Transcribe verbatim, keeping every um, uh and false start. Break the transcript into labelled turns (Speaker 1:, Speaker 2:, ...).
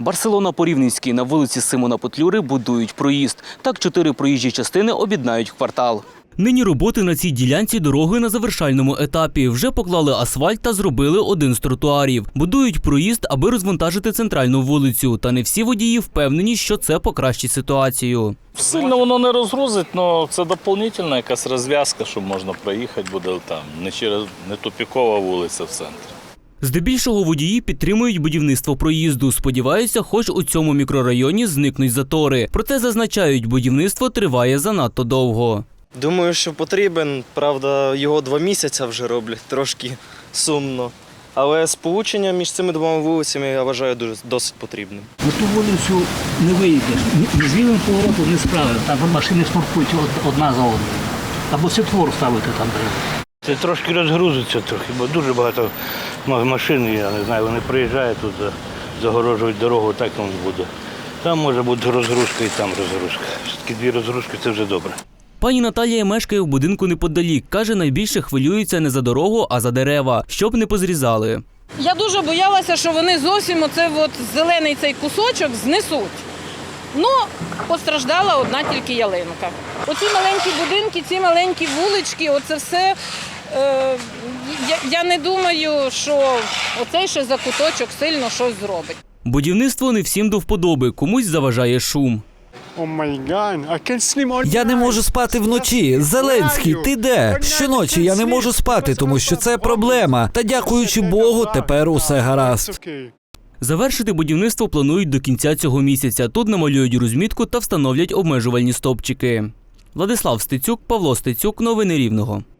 Speaker 1: Барселона-Порівненський на вулиці Симона Петлюри будують проїзд. Так чотири проїжджі частини об'єднають в квартал. Нині роботи на цій ділянці дороги на завершальному етапі. Вже поклали асфальт та зробили один з тротуарів. Будують проїзд, аби розвантажити центральну вулицю. Та не всі водії впевнені, що це покращить ситуацію.
Speaker 2: Сильно воно не розгрузить, але це доповнительна якась розв'язка, щоб можна проїхати буде там. Не через не тупікова вулиця в центрі.
Speaker 1: Здебільшого водії підтримують будівництво проїзду. Сподіваються, хоч у цьому мікрорайоні зникнуть затори. Проте зазначають, будівництво триває занадто довго.
Speaker 3: Думаю, що потрібен. Правда, його два місяці вже роблять, трошки сумно. Але сполучення між цими двома вулицями, я вважаю, дуже, досить потрібним.
Speaker 4: На ту вулицю не вийдеш. Ні з лівим поворотом, ні з правим. Там машини шнуркують одна за одною. Або світлофор ставити там треба.
Speaker 5: Це трошки розгрузиться трохи, бо дуже багато машин, я не знаю, вони приїжджають тут, загорожують дорогу, так воно буде. Там може бути розгрузка і там розгрузка. Все-таки дві розгрузки – це вже добре.
Speaker 1: Пані Наталія мешкає в будинку неподалік. Каже, найбільше хвилюється не за дорогу, а за дерева, щоб не позрізали.
Speaker 6: Я дуже боялася, що вони зовсім оце от зелений цей кусочок знесуть. Ну, постраждала одна тільки ялинка. Оці маленькі будинки, ці маленькі вулички, оце все, е, я, я не думаю, що оцей ще закуточок сильно щось зробить.
Speaker 1: Будівництво не всім до вподоби, комусь заважає шум.
Speaker 7: Я не можу спати вночі. Зеленський, ти де? Щоночі я не можу спати, тому що це проблема. Та дякуючи Богу, тепер усе гаразд.
Speaker 1: Завершити будівництво планують до кінця цього місяця. Тут намалюють розмітку та встановлять обмежувальні стовпчики. Владислав Стецюк, Павло Стецюк. Новини Рівного.